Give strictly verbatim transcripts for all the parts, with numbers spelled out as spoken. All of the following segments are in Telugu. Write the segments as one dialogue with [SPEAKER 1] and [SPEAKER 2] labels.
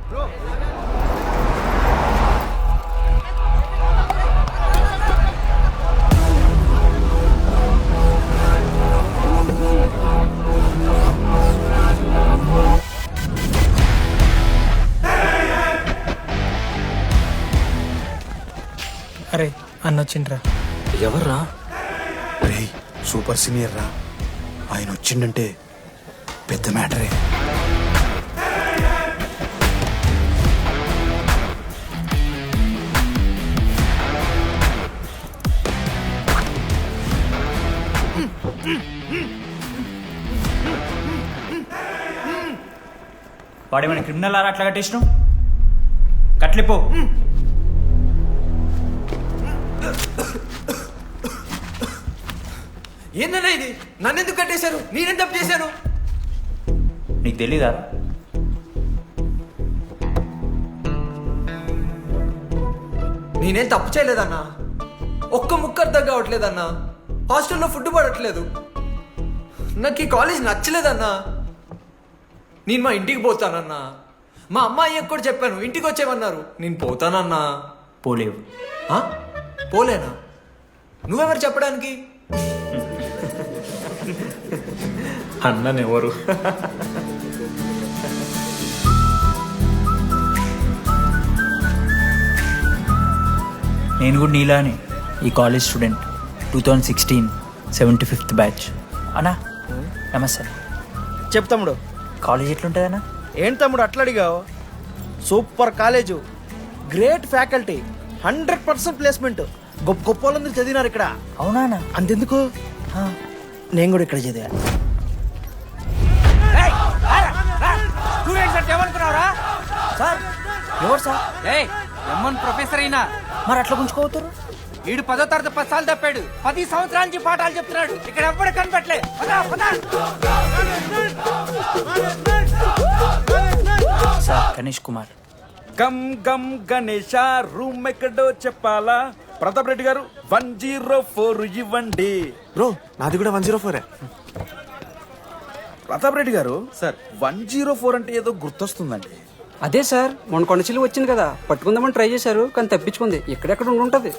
[SPEAKER 1] అరే అన్న వచ్చిండ్రా.
[SPEAKER 2] ఎవర్రా?
[SPEAKER 3] రే సూపర్ సీనియర్ రా, ఆయన వచ్చిండంటే పెద్ద మ్యాటరే.
[SPEAKER 4] వాడేమైనా క్రిమినల్ ఆరా అట్లా కట్టేసినావు? కట్లిపో.
[SPEAKER 2] ఏందన్నా ఇది? నన్ను ఎందుకు కట్టేశారు? నేనేం తప్పు చేశాను?
[SPEAKER 4] నీకు తెలీదా?
[SPEAKER 2] నేనేం తప్పు చేయలేదన్నా. ఒక్క ముక్క అర్థం కావట్లేదన్నా. హాస్టల్లో ఫుడ్ పడట్లేదు. నాకు ఈ కాలేజ్ నచ్చలేదన్నా. నేను మా ఇంటికి పోతానన్నా. మా అమ్మాయికి కూడా చెప్పాను, ఇంటికి వచ్చేమన్నారు. నేను పోతానన్నా.
[SPEAKER 4] పోలేవు.
[SPEAKER 2] ఆ? పోలేనా? నువ్వెవరు చెప్పడానికి?
[SPEAKER 4] అన్ననెవరు? నేను కూడా నీలానే ఈ college student, two thousand sixteen seventy fifth batch. అన్నా నమస్తే.
[SPEAKER 5] చెప్పు తమ్ముడు.
[SPEAKER 4] కాలేజ్ ఎట్లుంటుందన్నా?
[SPEAKER 5] ఏంటి తమ్ముడు అట్లా అడిగావు? Super college, great faculty, hundred percent placement. గొప్ప గొప్ప వాళ్ళందరూ చదివినారు ఇక్కడ.
[SPEAKER 4] అవునా?
[SPEAKER 5] అంతెందుకు, నేను కూడా ఇక్కడ చదివా.
[SPEAKER 4] సార్ ఎవరు సార్?
[SPEAKER 6] ఎమ్మన్ ప్రొఫెసర్ అయినా
[SPEAKER 4] మరి అట్లా గుంజుకోవతారు?
[SPEAKER 6] వీడు పదో తరగతి పది సార్లు తప్పాడు. పది సంవత్సరాల నుంచి పాఠాలు చెప్తున్నాడు. ఇక్కడ ఎవ్వడు కనపట్లే.
[SPEAKER 4] సార్ గణేష్ కుమార్.
[SPEAKER 7] గమ్ గమ్ గణేష, రూమ్ ఎక్కడో చెప్పాలా? Pratap Reddy garu one zero four ఇవ్వండి.
[SPEAKER 3] బ్రో నాది కూడా వన్ జీరో ఫోరే.
[SPEAKER 7] Pratap Reddy garu sir, one zero four అంటే ఏదో గుర్తొస్తుందండి.
[SPEAKER 8] అదే సార్, మొన్న కొండచిల్లు వచ్చింది కదా, పట్టుకుందామని ట్రై చేశారు కానీ తప్పించుకుంది. ఎక్కడెక్కడ ఉండి ఉంటది.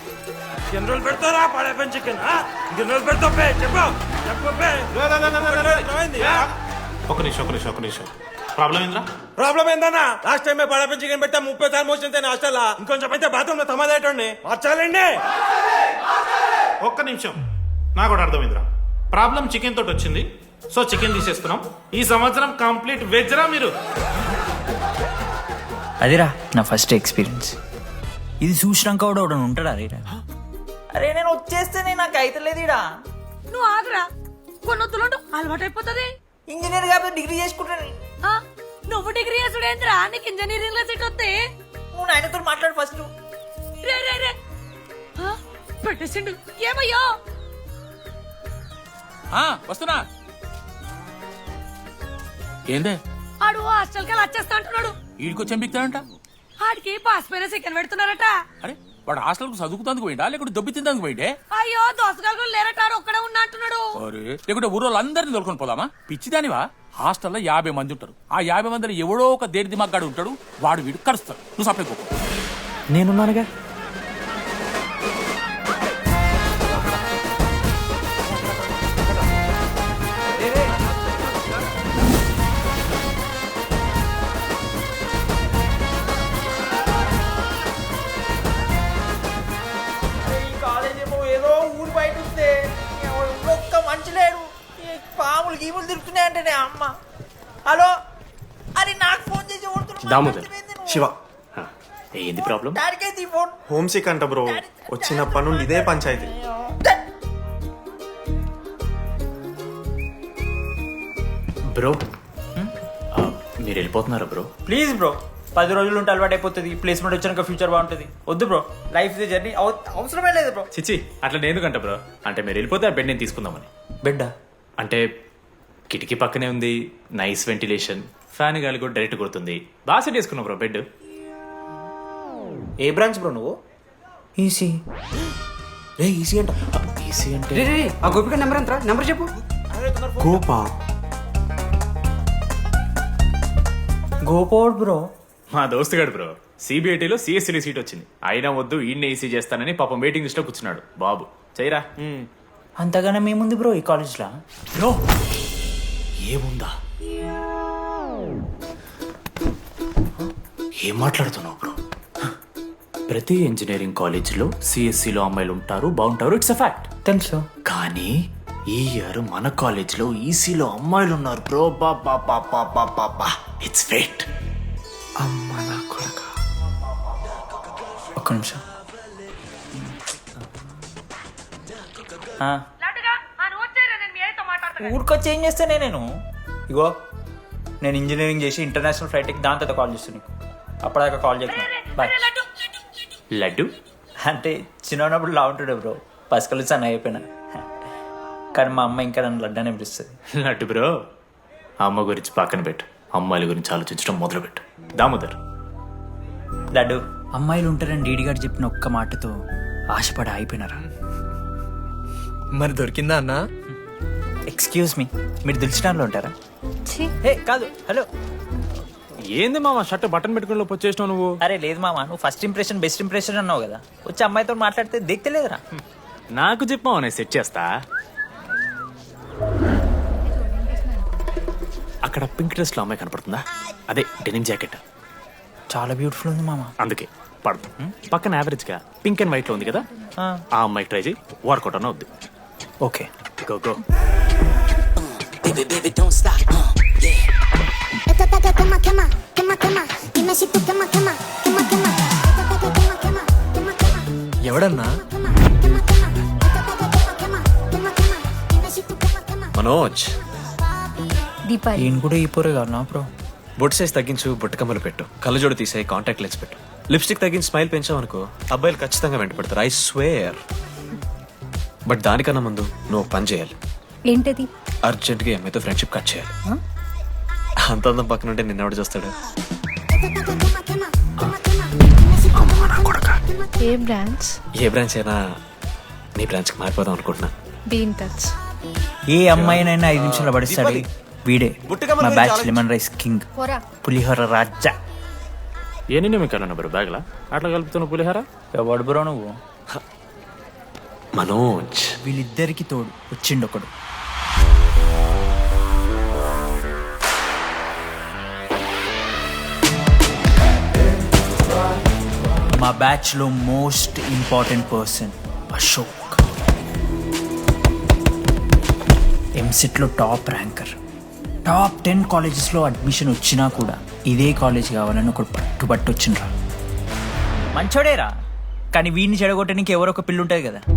[SPEAKER 9] ఒక నిమిషం ఒక నిమిషం ఒక నిమిషం ప్రాబ్లం ఏంద్రా?
[SPEAKER 7] ప్రాబ్లం ఏందన్నా? లాస్ట్ టైం పడప చికెన్ పెట్టా ముప్పై సార్లు మోషన్ హాస్టల్ ఇంకొంచెం అయితే బాత్రూమ్ లో తమాదేటండి మార్చాలండి.
[SPEAKER 9] ఒక్క నిమిషం, నాకు కూడా అర్థమైందిరా. ప్రాబ్లం చికెన్ తోటి వచ్చింది, సో చికెన్ తీసేస్తున్నాం. ఈ సంవత్సరం కంప్లీట్ వెజ్ రా మీరు.
[SPEAKER 4] అదిరా నా ఫస్ట్ ఎక్స్పీరియన్స్. ఇది చూసినాక కూడా ఒకడు ఉంటాడా? రే అరే నేను వచ్చేస్తేనే నాకు అయితలేదు ఇడా.
[SPEAKER 10] నువ్వు ఆగరా, కొన్ని వద్దులు అలవాటు అయిపోతుంది.
[SPEAKER 4] ఇంజనీర్ కాబట్టి డిగ్రీ చేసుకుంటాను.
[SPEAKER 10] నువ్వు డిగ్రీ చేసుడేంద్రా, నీకు ఇంజనీరింగ్ లో సీట్ వస్తే.
[SPEAKER 4] నువ్వు నాయనతో మాట్లాడు ఫస్ట్.
[SPEAKER 10] రే రే రే పెట్టేసిండు. ఏమయ్యో
[SPEAKER 6] వస్తున్నా. ఏందే
[SPEAKER 10] ఆడు హాస్టల్ కి వచ్చేస్తా అంటున్నాడు.
[SPEAKER 6] వీడికి వచ్చి ఎంపిక్తాడంట.
[SPEAKER 10] ఆడికి పాస్ పైన సెకండ్ పెడుతున్నారట.
[SPEAKER 6] అరే వాడు హాస్టల్ చదువుకుతానికి పోయిండా లేకుంటే దొబ్బి తిందానికి పోయిండే?
[SPEAKER 10] అయ్యో దోసగాళ్ళు లేరట, ఒక్కడే ఉన్నా అంటున్నాడు.
[SPEAKER 6] అరే లేకుంటే ఊరోళ్ళు అందరినీ దొరుకుని పోదామా? పిచ్చిదానివా? హాస్టల్లో యాభై మంది ఉంటారు. ఆ యాభై మందిలో ఎవడో ఒక దేని దిమాగ్గాడు ఉంటాడు. వాడు వీడు కరుస్తాడు. నువ్వు సప్లై పో.
[SPEAKER 4] నేనున్నానుగా.
[SPEAKER 2] ఏదో ఊరు బయట వస్తే ఒక్క మంచి లేడు. పాములు గీములు తిరుగుతున్నాయంటే అమ్మ. హలో, అది నాకు ఫోన్ చేసి
[SPEAKER 3] దామోదర్ శివ,
[SPEAKER 2] ఏంది ప్రాబ్లం? డాడీకైతే ఫోన్.
[SPEAKER 3] హోమ్ సిక్ అంట బ్రో, వచ్చినప్పటి నుండి ఇదే పంచాయతీ.
[SPEAKER 2] బ్రో మీరు వెళ్ళిపోతున్నారా బ్రో?
[SPEAKER 4] ప్లీజ్ బ్రో, పది రోజులు ఉంటే అలవాటు అయిపోతుంది. ప్లేస్మెంట్ వచ్చాక ఫ్యూచర్ బాగుంటుంది. వద్దు బ్రో, లైఫ్ ది జర్నీ, అవసరమే లేదు బ్రో.
[SPEAKER 2] చిచి అట్లా నేను కంట బ్రో. అంటే మీరు వెళ్ళిపోతే ఆ బెడ్ నేను తీసుకుందామని.
[SPEAKER 4] బెడ్డా?
[SPEAKER 2] అంటే కిటికీ పక్కనే ఉంది, నైస్ వెంటిలేషన్, ఫ్యాన్ గాలి కూడా డైరెక్ట్ కొడుతుంది. బాగా సెట్ చేసుకున్నావు బ్రో బెడ్.
[SPEAKER 4] ఏ బ్రాంచ్ బ్రో నువ్వు? ఈసీ.
[SPEAKER 3] రే ఈసీ అంట.
[SPEAKER 2] ఈసీ అంటే
[SPEAKER 8] రే రే ఆ గోపిక నెంబర్ ఎంతరా? నెంబర్ చెప్పు.
[SPEAKER 3] గోపా
[SPEAKER 4] గోపోడ్ బ్రో,
[SPEAKER 1] మా దోస్తు గడు బ్రో సిబిఐటీలో సిఎస్సీలో సీట్ వచ్చింది అయినా వద్దు ఈయన ఈసీ చేస్తానని పాపం వెయిటింగ్ లిస్ట్ లో కూర్చున్నాడు బాబు చేయరా
[SPEAKER 4] అంతగానే మేముంది బ్రో ఈ కాలేజ్లో.
[SPEAKER 1] బ్రో ఏముందా ఏం మాట్లాడుతున్నావు బ్రో ప్రతి ఇంజనీరింగ్ కాలేజీలో సిఎస్సిలో అమ్మాయిలు ఉంటారు బాగుంటారు ఇట్స్ అ ఫ్యాక్ట్
[SPEAKER 4] తెలుసు.
[SPEAKER 1] కానీ ఈ ఇయర్ మన కాలేజీలో ఈసీలో అమ్మాయిలు ఉన్నారు బ్రో బా బా బా బా బా బా బా ఇట్స్ ఫేట్.
[SPEAKER 3] అమ్మ నా కొడక.
[SPEAKER 4] ఒక్క నిమిషం. ఆ, ఊరికొచ్చి ఏం చేస్తానే నేను. ఇగో నేను ఇంజనీరింగ్ చేసి ఇంటర్నేషనల్ ఫ్లైట్కి దాని తర్వాత కాల్ చేస్తాను నీకు. అప్పటిదాకా కాల్ చేస్తాను. బాయ్.
[SPEAKER 1] లడ్డు
[SPEAKER 4] అంటే చిన్నప్పుడు లా ఉంటుండే బ్రో, పసకలు సన్న అయిపోయినా. కానీ మా అమ్మ ఇంకా నన్ను లడ్డు అని పిలుస్తుంది.
[SPEAKER 1] లడ్డు బ్రో అమ్మ గురించి పక్కన పెట్టు అమ్మాయిల గురించి ఆలోచించడం మొదలు పెట్టు. దామోదర్
[SPEAKER 4] లడ్డు అమ్మాయిలు ఉంటారని డీడీ గారు చెప్పిన ఒక్క మాటతో ఆశపడి అయిపోయినారా?
[SPEAKER 2] మరి దొరికిందా అన్నా?
[SPEAKER 4] ఎక్స్క్యూజ్ మీ, మీరు దిల్చినాలో ఉంటారా? ఏ కాదు, హలో.
[SPEAKER 1] ఏంది మామ షర్ట్ బటన్ పెట్టుకుని వచ్చేసినావు నువ్వు?
[SPEAKER 4] అరే లేదు మామ, నువ్వు ఫస్ట్ ఇంప్రెషన్ బెస్ట్ ఇంప్రెషన్ అన్నావు కదా, వచ్చి అమ్మాయితో మాట్లాడితే దిక్తలేదురా.
[SPEAKER 1] నాకు చెప్పావు నేను సెట్ చేస్తా. అక్కడ పింక్ డ్రెస్ లో అమ్మాయి కనపడుతుందా? అదే డెనిమ్ జాకెట్.
[SPEAKER 4] చాలా బ్యూటిఫుల్ ఉంది మామ.
[SPEAKER 1] అందుకే పడదు. పక్కన యావరేజ్ గా పింక్ అండ్ వైట్ లో ఉంది కదా, ఆ అమ్మాయికి ట్రై చేయి. వర్కౌట్ అన్న వద్దు.
[SPEAKER 4] Okay
[SPEAKER 1] go go.
[SPEAKER 2] ఎవడన్నా?
[SPEAKER 3] మనోజ్,
[SPEAKER 10] దీపాలి
[SPEAKER 4] ఈయన కూడా ఈ పోరే కాదు నా బ్రో.
[SPEAKER 3] బొట్టు సైజ్ తగ్గించు, బుట్టకమ్మలు పెట్టు, కళ్ళజోడు తీసే, కాంటాక్ట్ లెన్స్ పెట్టు, లిప్స్టిక్ తగ్గించి స్మైల్ పెంచావు అనుకో అబ్బాయిలు ఖచ్చితంగా వెంట పెడతారు. I swear. బట్ దానికన్నా ముందు నువ్వు పని చేయాలి.
[SPEAKER 10] ఏంటది?
[SPEAKER 3] అర్జెంట్గా అమ్మాయితో ఫ్రెండ్షిప్ కట్ చేయాలి. అంత అందం పక్కన ఉంటే నిన్నెవడు చూస్తాడు?
[SPEAKER 10] ఏ బ్రాంచ్?
[SPEAKER 3] ఏ బ్రాంచ్ అయినా నీ బ్రాంచ్కి మారిపోదాం అనుకుంటున్నా.
[SPEAKER 10] Be in touch.
[SPEAKER 4] ఏ అమ్మాయినైనా ఐదు నిమిషాలు పడిస్తాడు వీడే. మా బ్యాచ్ లెమన్ రైస్ కింగ్,
[SPEAKER 10] పోరా.
[SPEAKER 4] పులిహోర రాజా.
[SPEAKER 1] ఏ నిన్న మీకు బ్రో బ్యాగ్లా అట్లా కలుపుతున్నావు పులిహార?
[SPEAKER 4] ఎవడు బ్రో నువ్వు?
[SPEAKER 3] మనోజ్,
[SPEAKER 4] వీళ్ళిద్దరికి తోడు వచ్చిండు ఒకడు. మా బ్యాచ్ లో most important person Ashok. EAMCET లో top ranker. Top ten colleges లో అడ్మిషన్ వచ్చినా కూడా ఇదే కాలేజ్ కావాలని ఒకడు పట్టుబట్టు వచ్చిండ్రా. మంచోడేరా, కానీ వీడిని చెడగొట్టడానికి ఎవరో ఒక పిల్లు ఉంటుంది కదా.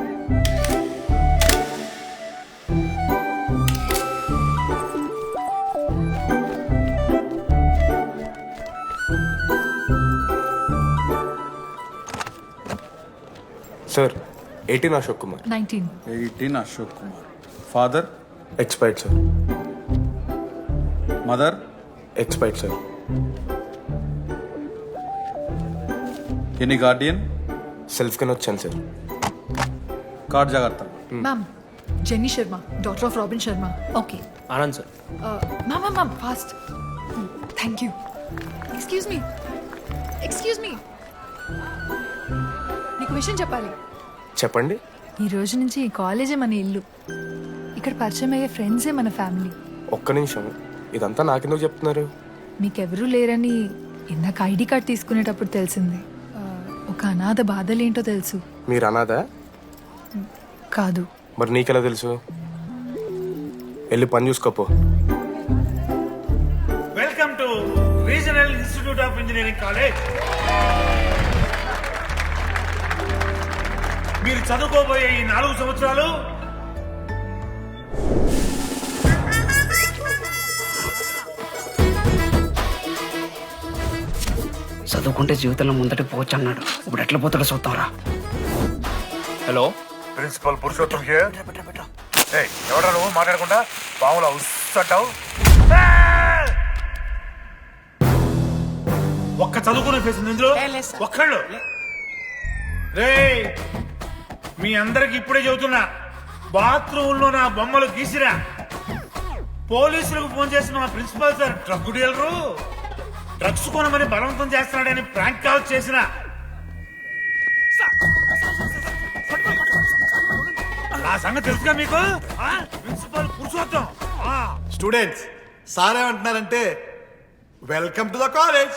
[SPEAKER 3] Sir eighteen Ashok Kumar.
[SPEAKER 10] Nineteen.
[SPEAKER 7] Eighteen Ashok Kumar. Father?
[SPEAKER 3] Expired sir.
[SPEAKER 7] Mother?
[SPEAKER 3] Expired sir.
[SPEAKER 7] Any guardian?
[SPEAKER 3] Self కింద వచ్చాను సార్.
[SPEAKER 7] కార్డ్ జాగ్రత్త.
[SPEAKER 11] Ma'am, Jenny Sharma, daughter of Robin Sharma.
[SPEAKER 10] Okay.
[SPEAKER 3] Anand sir.
[SPEAKER 11] Ma'am ma'am ma'am fast. Thank you. Excuse me, excuse me, నీకు విషయం చెప్పాలి.
[SPEAKER 3] చెప్పండి.
[SPEAKER 11] ఈ రోజు నుంచి ఈ కాలేజే మన ఇల్లు. ఇక్కడ పరిచయం అయ్యే ఫ్రెండ్సే మన ఫ్యామిలీ.
[SPEAKER 3] ఒక్క నిమిషం, ఇదంతా నాకెందుకు చెప్తున్నారు?
[SPEAKER 11] మీకెవరూ లేరని ఇందాక ఐడి కార్డ్ తీసుకునేటప్పుడు తెలిసింది. ఆ, ఒక అనాథ బాధలేంటో తెలుసు.
[SPEAKER 3] మీరు అనాదా?
[SPEAKER 11] కాదు.
[SPEAKER 3] మరి నీకెలా తెలుసు? వెళ్ళి పని చూసుకోపో.
[SPEAKER 9] Welcome to regional institute of engineering college. మీరు చదువుకోబోయే ఈ నాలుగు సంవత్సరాలు
[SPEAKER 8] చదువుకుంటే జీవితంలో ముందటి పోవచ్చు అన్నాడు. ఇప్పుడు ఎట్లా పోతాడో చూద్దాంరా.
[SPEAKER 3] Hello,
[SPEAKER 9] principal Purushottam here. ఏయ్, ఎవడ్రా నువ్వు మాట్లాడకుండా పాములా ఉస్సంటావు? ఒక్క చదువుకునే ఫేస్ ఉంది ఇందులో, ఒక్కళ్ళు. రేయ్, మీ అందరికి ఇప్పుడే చెబుతున్నా, బాత్రూంలో నా బొమ్మలు గీసిరా. పోలీసులకు ఫోన్ చేసిన మా principal sir drug dealer drugs కొనమని బలవంతం చేస్తున్నాడని ప్రాంక్ కాల్ చేసిన ఆ సంగతి తెలుసుగా మీకు ఆ? ప్రిన్సిపల్ పురుషోత్తం
[SPEAKER 12] స్టూడెంట్స్ సార్ ఏమంటున్నారంటే వెల్కమ్ టు ద కాలేజ్.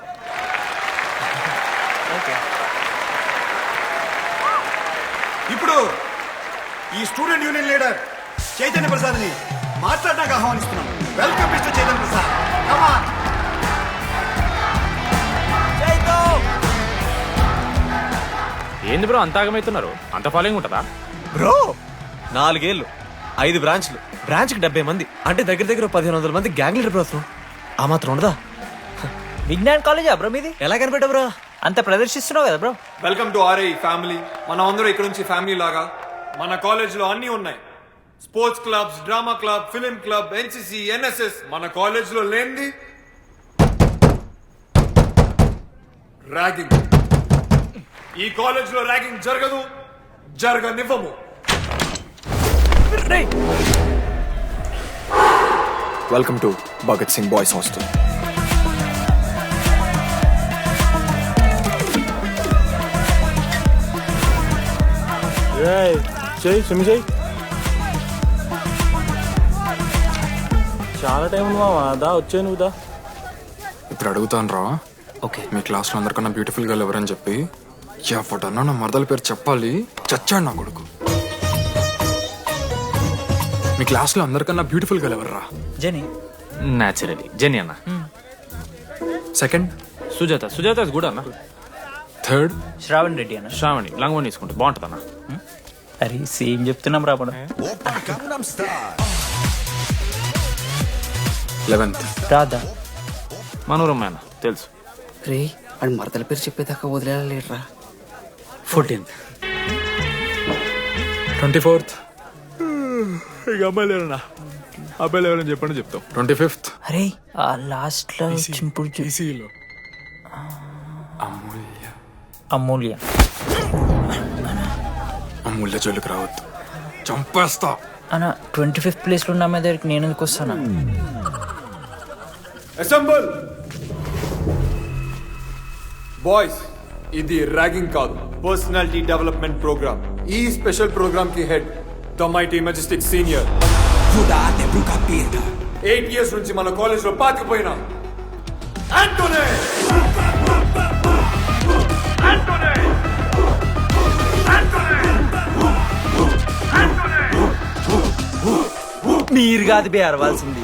[SPEAKER 12] ఇప్పుడు ఈ student union leader Chaitanya Prasad ని మాట్లాడడానికి ఆహ్వానిస్తున్నాం. Welcome mister Chaitanya Prasad. Come on.
[SPEAKER 6] ఏంది బ్రో అంత ఆగమవుతున్నారు? అంత ఫాలోయింగ్ ఉంటుందా?
[SPEAKER 3] బ్రో నాలుగేళ్ళు ఐదు బ్రాంచ్లు బ్రాంచ్కి డెబ్బై మంది అంటే దగ్గర దగ్గర పదిహేను వందల మంది గ్యాంగ్ లీడర్ బ్రో. ఆ మాత్రం ఉండదా?
[SPEAKER 4] విజ్ఞాన్ కాలేజా బ్రో మీది?
[SPEAKER 3] ఎలా కనిపెట్టా బ్రో?
[SPEAKER 4] అంత ప్రదర్శిస్తున్నావు కదా bro.
[SPEAKER 2] Welcome to RI family. మనం అందరూ ఇక్కడ నుంచి ఫ్యామిలీ లాగా. మన కాలేజ్లో అన్నీ ఉన్నాయి. Sports clubs, drama club, film club, NCC, NSS. మన కాలేజ్లో లేనిది ర్యాగింగ్. ఈ కాలేజ్లో ర్యాగింగ్ జరగదు, జరగనివ్వము.
[SPEAKER 12] Welcome to Bhagat Singh boys hostel.
[SPEAKER 9] చాలా టైం ఉంది మావా. దా వచ్చే నువ్వు దా.
[SPEAKER 12] ఇప్పుడు అడుగుతాను రా.
[SPEAKER 4] ఓకే.
[SPEAKER 12] మీ క్లాస్లో అందరికన్నా బ్యూటిఫుల్ గర్ల్ ఎవరని చెప్పి ఎవడన్నా నా మరదల పేరు చెప్పాలి. చచ్చాడు నా కొడుకు. మీ క్లాస్లో అందరికన్నా బ్యూటిఫుల్ గర్ల్ ఎవర్రా?
[SPEAKER 4] జని.
[SPEAKER 6] న్యాచురలీ జెనీ అన్న.
[SPEAKER 12] సెకండ్
[SPEAKER 6] సుజాత. సుజాత కూడా అన్న.
[SPEAKER 12] థర్డ్
[SPEAKER 4] శ్రావణ్ రెడ్డి అన్న.
[SPEAKER 6] శ్రావణి లంగ్ వన్ తీసుకుంటే బాగుంటుంది అన్న.
[SPEAKER 4] అరే సేమ్ చెప్తున్నాం రాపడ.
[SPEAKER 12] లెవెన్త్
[SPEAKER 4] రాదా?
[SPEAKER 6] మనోరమ్మ అన్న తెలుసు.
[SPEAKER 8] రే అని మరదల పేరు చెప్పేదాకా వదిలేరా.
[SPEAKER 4] ఫోర్టీన్త్.
[SPEAKER 12] ట్వంటీ ఫోర్త్
[SPEAKER 3] ఇక అమ్మాయిలు ఎవరన్నా అబ్బాయిలు ఎవరని చెప్పండి చెప్తాం.
[SPEAKER 12] ట్వంటీ ఫిఫ్త్
[SPEAKER 4] అరే ఆ లాస్ట్ లో చింపుడు చూ-
[SPEAKER 12] ఈసీలో అమూల్య.
[SPEAKER 4] అమూల్య.
[SPEAKER 12] అమూల్య జోలికి రావద్దు, చంపేస్తా.
[SPEAKER 4] అన్న ట్వంటీ ఫిఫ్త్ ప్లేస్ లో ఉన్న అమ్మాయి దగ్గరికి నేను ఎందుకు వస్తానా?
[SPEAKER 2] Assemble boys. ఇది ర్యాగింగ్ కాదు, పర్సనాలిటీ డెవలప్మెంట్ ప్రోగ్రామ్. ఈ స్పెషల్ ప్రోగ్రామ్ కి head the mighty majestic senior. Eight years నుంచి మన కాలేజ్ లో పాతిపోయిన ఆంటోనీ.
[SPEAKER 5] మీరు కాదు బే అరవాల్సింది.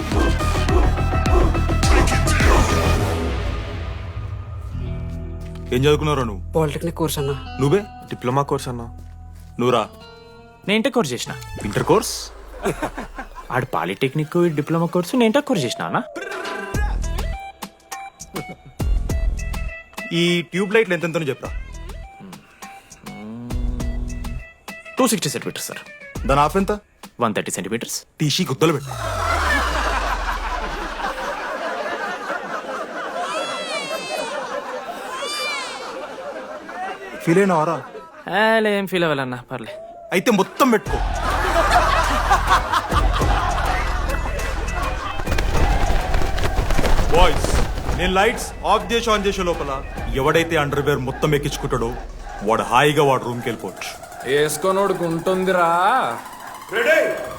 [SPEAKER 3] ఏం చదువుకున్నారా నువ్వు?
[SPEAKER 8] పాలిటెక్నిక్ కోర్స్ అన్నా.
[SPEAKER 3] నువ్వే డిప్లొమా కోర్స్ అన్నా. నువ్వురా?
[SPEAKER 6] నేను ఇంటర్ కోర్స్ చేసిన. ఇంటర్ కోర్స్ ఆడు పాలిటెక్నిక్ డిప్లొమా కోర్సు, నేను ఇంటర్ కోర్స్ చేసిన అన్న.
[SPEAKER 3] ఈ ట్యూబ్ లైట్లు ఎంతెంతనో చెప్పరా?
[SPEAKER 6] Two sixty centimetres sir.
[SPEAKER 3] దాని ఆఫ్ ఎంత?
[SPEAKER 6] One thirty centimetres.
[SPEAKER 3] టీసీ గుద్దలు పెట్టు. ఫీల్ అయినావారా?
[SPEAKER 6] ఏం ఫీల్ అవ్వాలన్నా పర్లే.
[SPEAKER 3] అయితే మొత్తం పెట్టుకో. బాయ్స్ నేను లైట్స్ ఆఫ్ చేసి ఆన్ చేసే లోపల ఎవడైతే అండర్ వేర్ మొత్తం ఎక్కించుకుంటాడో వాడు హాయిగా వాడు రూమ్కి వెళ్ళిపోవచ్చు.
[SPEAKER 7] వేసుకోనోడుకు ఉంటుందిరా.
[SPEAKER 2] రెడీ